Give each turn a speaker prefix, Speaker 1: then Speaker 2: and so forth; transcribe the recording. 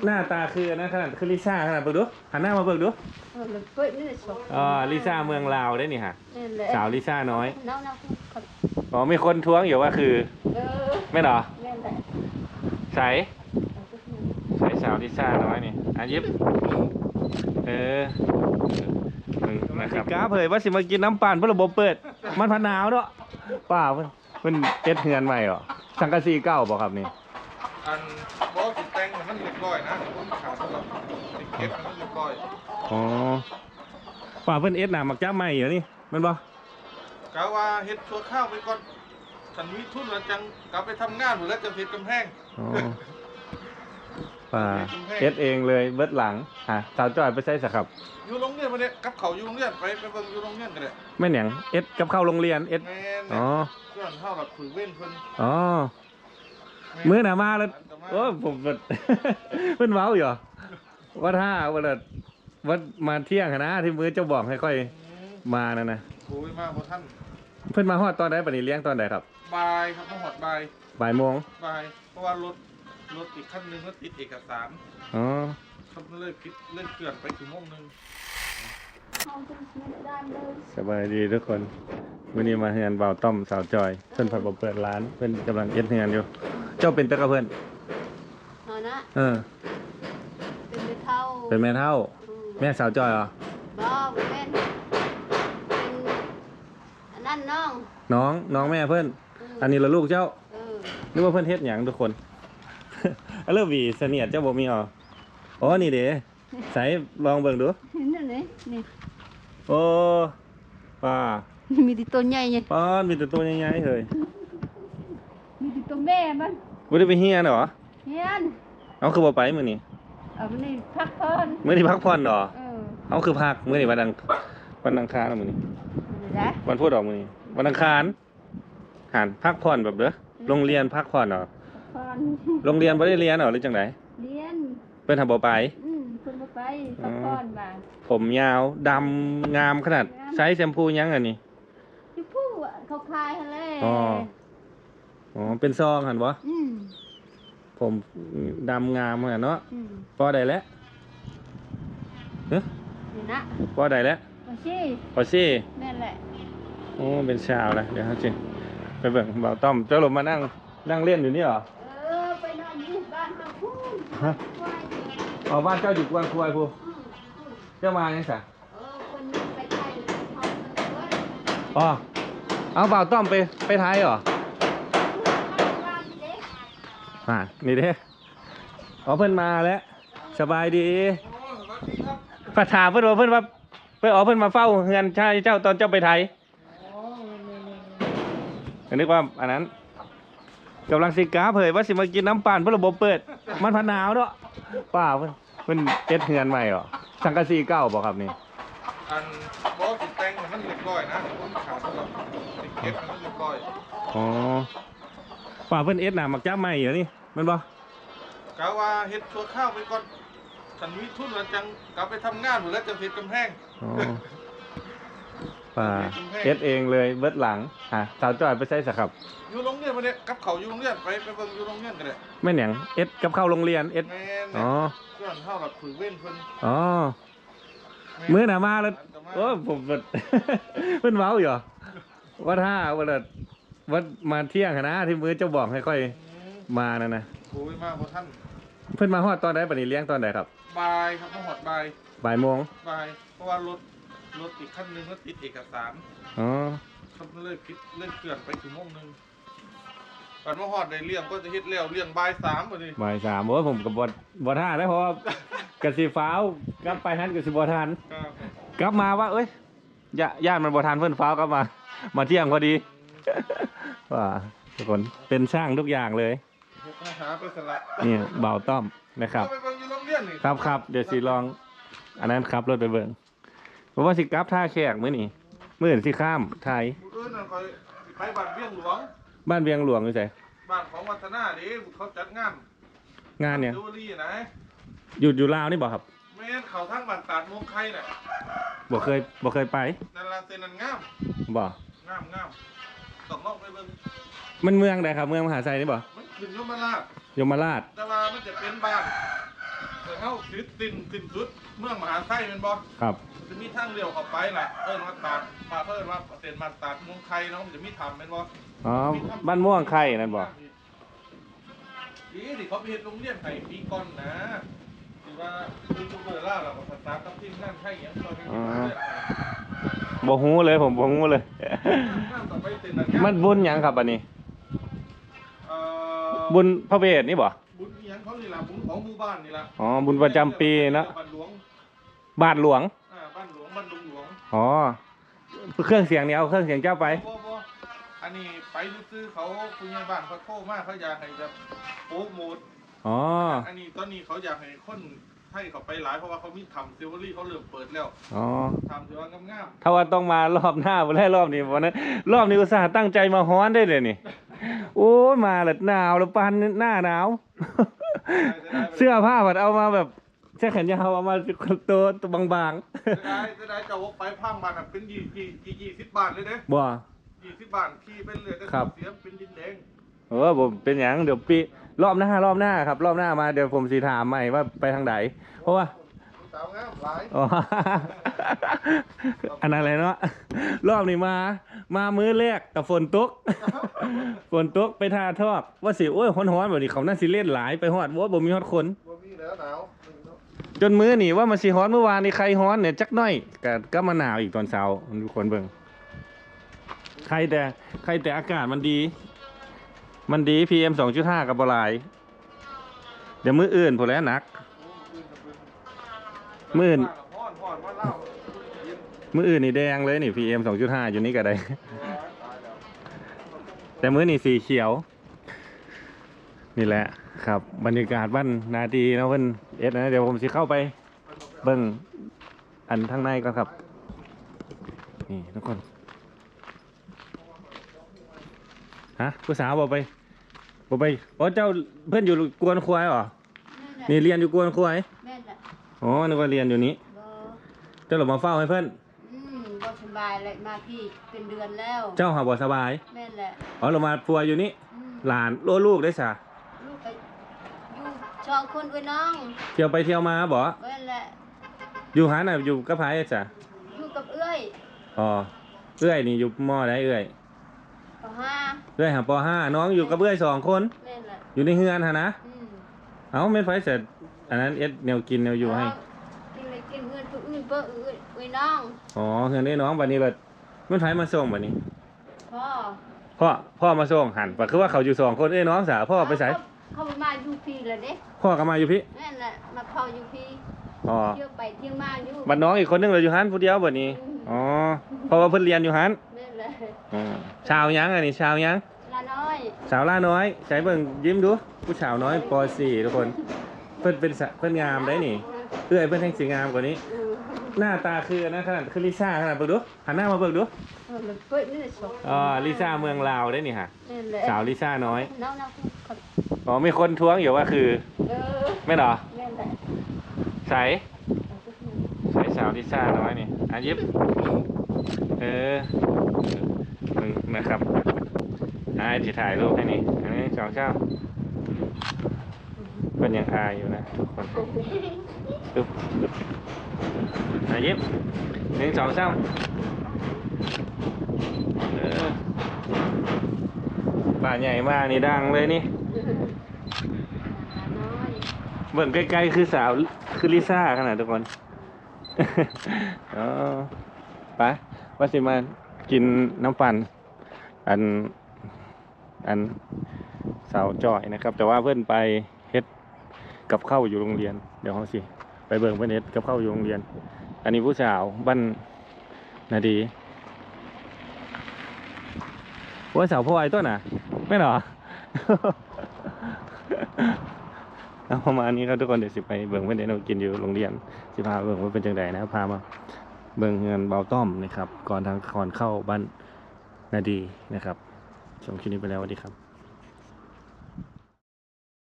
Speaker 1: หน้าตาคือนะขนาดคือลิซ่าขนาดเบิกดูหันหน้ามาเบิกดูอ๋อลิซ่าเมืองลาวได้นี่ฮะสาวลิซ่าน้อยอ๋อมีคนท้วงอยู่ว่าคือไม่หรอใส่สาวลิซ่าน้อยนี่ยิบนะครับกาเผยว่าสิมากินน้ำปั่นเพื่อระบบเปิดมันพันหนาวเนาะป้าเพิ่นเอ็ดเฮือนใหม่หรอสังกะสีเก่าบอกครับนี่
Speaker 2: อันบอกติดแต่งมันเรียบร้อยนะผมขาดแล้วติดเก็บมันเรียบร้อย
Speaker 1: อ๋อป้าเพิ่นเอ็ดหนามักจ้าใหม่เหรอนี่มันบ่
Speaker 2: กะว่าเฮ็ดชั่วข้าวไปก่อนฉันมีทุนแล้วจังกลับไปทำงานหมดแล้วจะเฮ็ดกำแพง
Speaker 1: ป้าเอ็ดเองเลยเบิดหลังสาวจอยไปใช้สักครับ
Speaker 2: อยู่โรงเรียนมาเนี่ยกับเขาอยู่โรงเรียนไปเบิ่งอยู่โรงเรียนกันเลย
Speaker 1: ไม่เหนียงเอ็ดกับเข้าโรงเรียนเอ็ด
Speaker 2: อ๋อเพื่อนเข้าแบบฝึกเว้นเพิ่น
Speaker 1: อ๋อมื้อหน้ามาแล้วโอ้ผมเพิ่นเว้าอยู่ว่าถ้าว่ามาเที่ยงนะที่มื้อเจ้าบอกให้ค่อยมานั่นนะ
Speaker 2: โอ้ยมาบ่ทัน
Speaker 1: เพิ่นมาฮอดตอนใดบัดนี้เลี้ยงตอนใดครับ
Speaker 2: บ่ายครับมาฮอดบ่าย
Speaker 1: โมง
Speaker 2: เพราะว่ารถอีกคันนึงก็ติดเอกสาร
Speaker 1: อ๋อ
Speaker 2: เขาเลิกเกินไปชั่วโมงนึง
Speaker 1: สบายดีทุกคนวันนี้มาเฮือนบ่าวต้อมสาวจอยเพิ่นผัดบ่เปิดร้านเพิ่นกำลังเอ็ดเฮือนอยู่เจ้าเป็นตะกะเพิ่น
Speaker 3: นะ
Speaker 1: เป็นแม่เฒ่าแม่สาวจอยเหรอ
Speaker 3: บ่เป็นอันนั้น
Speaker 1: น้องแม่เพิ่นอันนี้ละลูกเจ้านึกว่าเพิ่นเฮ็ดหยังทุกคนเริ่มวีเสนียดเจ้าบ่มีอ๋อนี่เด้ใส่ลองเบิ่งดู
Speaker 3: นี่
Speaker 1: โอ้ป้า
Speaker 3: มีแต่ตัวใหญ่ไง
Speaker 1: ป้ามีแต่ตัวใหญ่ๆเฮ้ย
Speaker 3: มีแต่ตัวแม่มัน
Speaker 1: บ่ได้ไปเฮียนเหรอ
Speaker 3: เฮียน
Speaker 1: เอาคือบ่ไปมื้อนี้
Speaker 3: มื้อนี้พักผ่อน
Speaker 1: มื้อนี้พักผ่อนเหรอเอาคือพักมื้อนี้วันอังคารมื้อนี้วันพุธออกมื้อนี้วันอังคารหันพักผ่อนแบบเด้อโรงเรียนพักผ่อนเหรอโรงเรียนบ่ได้เรียนเหรอหรือจังได๋
Speaker 3: เรียน
Speaker 1: เพิ่นทำบ่ไป
Speaker 3: เพิ่นบ่ไปพักผ่อนมา
Speaker 1: ผมยาวดำงามขนาดใช้แชมพูยังอันนี้
Speaker 3: แชมพูเขาคายหั่นแหละ
Speaker 1: อ๋อเป็นซองหั่นบ่ผมดำงามขนาดเนาะพอได้แล้ว
Speaker 3: นี่นะ
Speaker 1: พอได้แล้วพอซี่
Speaker 3: นั่นแหละ
Speaker 1: โอ้เป็นชาวนะเดี๋ยวจริงไปเบิ่งบ่าวต้อมเจ้าลมมานั่งเล่นอยู่นี่เหรอ
Speaker 3: ไปนอนอยู่บ้านเฮาพู
Speaker 1: นบ้านเจ้าอยู่กวนควายพูเจ้ามาเนี่ยสะ
Speaker 3: คนนึงไปไทย
Speaker 1: เอาบ่าวต้อมไปไทยเหรอนี่เด้เพิ่นมาแล้วสบายดีพระถามเพิ่นว่าเพิ่นมาเฝ้าเฮือนชายเจ้าตอนเจ้าไปไทยนึกว่าอันนั้นกำลังสิกาเผยว่าสิมากินน้ำปั่นเพื่อระบบเปิดมันพันหนาวเนาะป้าเพิ่นเอ็ดเฮือนใหม่หรอสังกะสีเก่าบอกครับนี่
Speaker 2: อันบอกติดแต่งมันเรียบร้อยนะผมขาดแล้วติดเก็บมันเรียบร้อย
Speaker 1: อ๋อป้าเพิ่นเอ็ดหนามักจ้าใหม่เหรอนี่มันบ่
Speaker 2: กะว่าเฮ็ดชั่วข้าวไปก่อนฉันมีทุนแล้วจังกลับไปทำงานหมดแล้วจะเฮ็ดกำแพง
Speaker 1: ป้าเอ็ดเองเลยเบิดหลังสาวจอยไปใช้สักครับ
Speaker 2: อยู่โรงเรียนมาเนี่ยกับเขาอยู่โรงเรียนไปเบิ่งอยู่โรงเรียนกันเลย
Speaker 1: ไม่เหนียงเอ็ดกับเข้าโรงเรียนเอ็ด
Speaker 2: เพื่อนเข้าแบบฝึกเว้นเพิ่น
Speaker 1: มื้อหน้ามาแล้วโอ้ผมเพิ่นเว้าอยู่ว่าถ้าว่ามาเที่ยงนะที่มื้อเจ้าบอกให้ค่อยมานั่นนะ
Speaker 2: โอ้ยมาบ่ทัน
Speaker 1: เพิ่นมาฮอดตอนใดบัดนี้เลี้ยงตอนใดครับ
Speaker 2: บ่ายครับมาฮอดบ่าย
Speaker 1: โมง
Speaker 2: เพราะว่ารถอีกคันนึงก็ติดเอกสารเขาเลิกเกินไปชั่วโมงนึงก่อนมาฮอดได้เลี้ยงก็จะเฮ็ดแล้วเลี้ยงบ่าย 3บัดนี้
Speaker 1: บ่าย 3โอ้ยผมก็บ่ทันได้เพราะกะสิฟ้าวกลับไปหันกะสิบ่ทันกลับมาว่าเอ้ยญาติมันบ่ทันเพิ่นฟ้าวกลับมาเที่ยงพอดีว่าทุกคนเป็นช่างทุกอย่างเลยนี่บ่าวต้อมนะครับครับเดี๋ยวสิลองอันนั้นครับรถไปเบิ่งเพราะว่าสิกลับท่าแขกมื้อนี้มื้อสิข้ามไทย
Speaker 2: ไปบ้านเวียงหลวง
Speaker 1: อยู่ไส
Speaker 2: บ้านของวัฒนาดิเขาจัดงาน
Speaker 1: เนี่ยอยู่ลาวนี่บ่ครับ
Speaker 2: แม่นเขาทั้งบ้านตาดมงไข่น่ะ
Speaker 1: บ่เคยไป
Speaker 2: นั่นล่ะเส้นนั้นงาม
Speaker 1: บ่
Speaker 2: งามต้องลองไปเบิ่ง
Speaker 1: มันเมืองใดครับเมืองมหาไซนี่บ่
Speaker 2: มันขึ้นยมราช
Speaker 1: แต่ว่า
Speaker 2: มันจะเป็นบ้านเข้าสิ้นสุดเมืองมหาไทยเป็นบ่
Speaker 1: ครับ
Speaker 2: จะมีทางเลี้ยวเข้าไปล่ะมาตาดมาเพิ่นว่าเส้นมาตาดเมืองไทยเนาะมันจะมีถ้ำเป็นบ่
Speaker 1: อ๋อบ้านม่วงไข่นั่นบ่
Speaker 2: ที่เขาไปเฮ็ดโรงเรียนไห้ปีก่อนนะที่ว่ายูทูบเบอร์ล่าเราก็สตาร์ทกับทีมงานไทยอย่างเราเป็นทีมงานเลย
Speaker 1: บ่ฮู้เลยผมบ่ฮู้เลย
Speaker 2: ต่อไปเต้นอะไร
Speaker 1: มันบุญหยังครับอันนี้
Speaker 2: เอ่อ
Speaker 1: บุญพระเวทนี่บ่
Speaker 2: บุญอิหยังเขานี่ล่ะบุญของหมู่บ้านนี่ล่ะ
Speaker 1: อ๋อบุญประจำปีเนาะ
Speaker 2: บ้านหลวง
Speaker 1: บาทหลวง
Speaker 2: บ้านหลวงบ้านดงหลวง
Speaker 1: อ๋อเครื่องเสียงนี่เอาเครื่องเสียงเจ้าไป
Speaker 2: บ่อันนี้ไปซื้อเขาคุณยายบ้านเขาโทรมาเขาอยากให้แบบโปรโมท
Speaker 1: อ๋อ
Speaker 2: อันนี้ตอนนี้เขาอยากให้คนให้เขาไปหลายเพราะว่าเขามีทำซิลเวอรี่เขาเริ่มเปิดแล้ว
Speaker 1: อ๋อ
Speaker 2: ทำถือว่างาม
Speaker 1: ถ้าว่าต้องมารอบหน้าบ่ได้รอบนี้วันนั้นรอบนี้อุตส่าห์ตั้งใจมาฮ้อนได้เลยนี่ โอ้ยมาแล้วหนาวแล้วปานหน้าหนาว
Speaker 2: ๆ
Speaker 1: เสื้อผ้าผัดเอามาแบบเสื้อแขนยาวเอามาตัวบาง
Speaker 2: จะได้จะวกไปพังบาทเป็น20 บาทเลยเด้
Speaker 1: ๆบ่
Speaker 2: 20 บาทที่เป็นเหลือแต่
Speaker 1: ครับ
Speaker 2: เสียเป็นดินแดง
Speaker 1: ผมเป็นหยังเดี๋ยวปีรอบหน้ครับรอบหน้ามาเดี๋ยวผมสิถามใหม่ว่าไปทางไหนเพราะว่า
Speaker 2: สาวงามหลาย
Speaker 1: อ๋ อ อันนั้นอะไรเนาะรอบนี้มามื้อแรกกับฝนตก ฝนตกไปทาทอกว่าสิโอ้ยฮ้อนๆแบบนี้เขาน่าสิเล่นหลายไปฮอดว่าบ่มีฮอดคน
Speaker 2: บ่มีแล้วหนาว
Speaker 1: จนมื้อนี่ว่ามันสิฮ้อนเมื่อวานนี่ใครฮ้อนเนี่ยจักหน่อยก็มาหนาวอีกตอนเช้าทุกคนเบิ่งใครแต่อากาศมันดี PM 2.5 กับบ่หลายเดี๋ยวมื้ออื่นพุ่นแหล้วหนัก มื้ออื่น
Speaker 2: ฮ้อนว่าเล่าเย็น
Speaker 1: มื้ออื่นนี่แดงเลยนี่ PM 2.5 อยู่นี่ก็ได้
Speaker 2: ตายแล้ว
Speaker 1: แต่มื้อนี่สีเขียว นี่แหละครับบรรยากาศบ้านนาดีนะเพิ่นนะเดี๋ยวผมสิเข้าไปเบิ่งอันข้างในก่อนครับ นี่ทุกคนฮะผู้สาวบอกไปอ๋อเจ้าเพื่อนอยู่กวนควายเหรอนี่เรียนอยู่กวนควาย
Speaker 3: แม่นแหละ
Speaker 1: อ๋อนึกว่าเรียนอยู่นี้
Speaker 3: บ่
Speaker 1: เจ้าหลบมาเฝ้าให้เพื่อน
Speaker 3: บ่สบายเลยมาพี่เป็นเดือนแล้ว
Speaker 1: เจ้าหาบ่สบาย
Speaker 3: แม่นแหละ
Speaker 1: อ๋อหลบมาปัวอยู่นี่
Speaker 3: อืม
Speaker 1: หลานลูกได้สะ
Speaker 3: ลูกไปอยู่ชองคนไว้น้อง
Speaker 1: เที่ยวไปเที่ยวมาบ่
Speaker 3: แม่นแหละ
Speaker 1: อยู่หาน่ะอยู่กับไผจ้ะ
Speaker 3: อยู่กับเอื้อย
Speaker 1: อ๋อเอื้อยนี่อยู่มอได้เอื้อย
Speaker 3: ปห้า
Speaker 1: เอื้อยหาป .5 น้องอยู่กับเอื้อย2 คน
Speaker 3: แม่นแหละ
Speaker 1: อยู่ในเฮือนหะนะ
Speaker 3: อืม
Speaker 1: เอ้าแม่นไฟเสร็จอันนั้นแนวกินแนวอยู่ให้
Speaker 3: กินเลยกินเพื่อนผู้อื่นเพื่อเอื้อยไว้น้อง
Speaker 1: อ๋อเฮือนได้น้องบัดนี้เบิดแม่นไฟมาส่งบัดนี้
Speaker 3: พ่อ
Speaker 1: พ่อมาส่งหันปะคือว่าเขาอยู่2 คนเอ้ยน้องสาวพ่อไปไส
Speaker 3: เขามาอยู่พี่แล้วเด้
Speaker 1: พ่อก็มาอยู่พี่
Speaker 3: แม่นแหละมาเผาอยู่พี่
Speaker 1: อ๋อ
Speaker 3: เที่ยวไปเที่ยวมาอยู่
Speaker 1: บัดน้องอีกคนนึงเราอยู่หันผู้เดียวบัดนี้อ๋อเพราะว่าเพิ่นเรียนอยู่หัน
Speaker 3: แม่นแหละ
Speaker 1: อ๋อชาวหยังอันนี้ชาวหยัง
Speaker 3: ลาน้อย
Speaker 1: สาวล่าน้อยใช้เบิ่งยิ้มดูผู้สาวน้อยป .4 ทุกคนเพิ่นงามได้นี่เอื้อยเพิ่นแห่งสิงามกว่านี้ หน้าตาคืออันนะขนาดคือลิซ่าขนาดเบิ่งดูหันหน้ามาเบิ่งดู
Speaker 3: มันเปิดนี่แหละสอง
Speaker 1: อ๋อลิซ่าเมืองลาวได้นี่ฮะ
Speaker 3: แม่นแหละ
Speaker 1: สาวลิซ่าน้อย
Speaker 3: น้องๆครับ
Speaker 1: อ๋อมีคนท้วงอยู่ว่าคือ
Speaker 3: เออ
Speaker 1: ไม่เหรอ
Speaker 3: แม่นแหละ
Speaker 1: ใสสาวลิซ่าน้อยนี่อ่ะยิบเออมึงนะครับจะถ่ายรูปให้นี่อันนี้สองเจ้าเป็นยังอายอยู่นะทุกคนปึ๊บอ่ะยิบ1 2 3ป่าใหญ่มากนี่ดังเลยนี่
Speaker 3: น้อย
Speaker 1: เบิ่งใกล้ๆคือสาวคือลิซ่าขนาดทุกคน อ๋อไปว่าสิมากินน้ำปั่นอันสาวจอยนะครับ แต่ว่าเพื่อนไปเฮ็ดกับข้าวอยู่โรงเรียนเดี๋ยวเขาสิไปเบิ่งเพื่อนเฮ็ดกับข้าวอยู่โรงเรียน อันนี้ผู้สาวบ้านนาดีว่าสาวพ่อไอ้ต้นน่ะไม่เหรอ เอาประมาณนี้ครับทุกคนเดี๋ยวสิไปเบิ่งเพื่อนเด็กเรากินอยู่โรงเรียนสิพาเบิ่งว่าเป็นจังไดนะครับพามาเบิ่งเงินเบาต้อมนะครับก่อนเข้าบ้านนาดีนะครับชมคลิปนี้ไปแล้วสวัสดีครับ